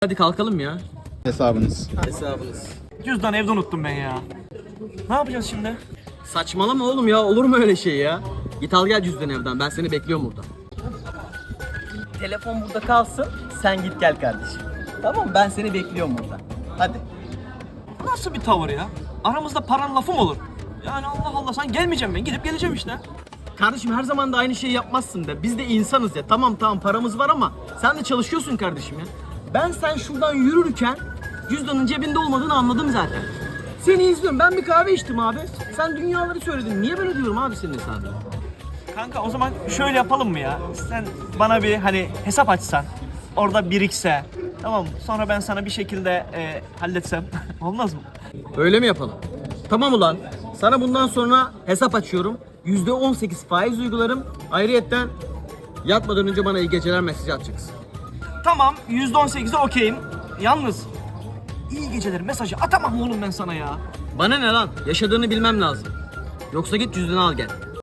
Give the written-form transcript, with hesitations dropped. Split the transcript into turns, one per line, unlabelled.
Hadi kalkalım ya.
Hesabınız.
Hesabınız.
Cüzdan evde unuttum ben ya. Ne yapacağız şimdi?
Saçmalama oğlum ya, olur mu öyle şey ya? Git al gel cüzdanı evden, ben seni bekliyorum burada. Telefon burada kalsın, sen git gel kardeşim. Tamam, ben seni bekliyorum burada. Hadi.
Nasıl bir tavır ya? Aramızda paran lafı mı olur? Yani Allah Allah, sen gelmeyeceğim, ben gidip geleceğim işte.
Kardeşim her zaman da aynı şeyi yapmazsın da. Biz de insanız ya. Tamam paramız var ama sen de çalışıyorsun kardeşim ya. Ben sen şuradan yürürken cüzdanın cebinde olmadığını anladım zaten. Seni izliyorum. Ben bir kahve içtim abi. Sen dünyaları söyledin. Niye böyle diyorum abi senin hesabına?
Kanka o zaman şöyle yapalım mı ya? Sen bana bir hani hesap açsan, orada birikse, tamam mı? Sonra ben sana bir şekilde halletsem olmaz mı?
Öyle mi yapalım? Tamam ulan. Sana bundan sonra hesap açıyorum. %18 faiz uygularım. Ayrıyetten yatmadan önce bana iyi geceler mesajı atacaksın.
Tamam, %18'e okeyim. Yalnız iyi geceler mesajı atamam oğlum ben sana ya.
Bana ne lan? Yaşadığını bilmem lazım. Yoksa git cüzdanı al gel.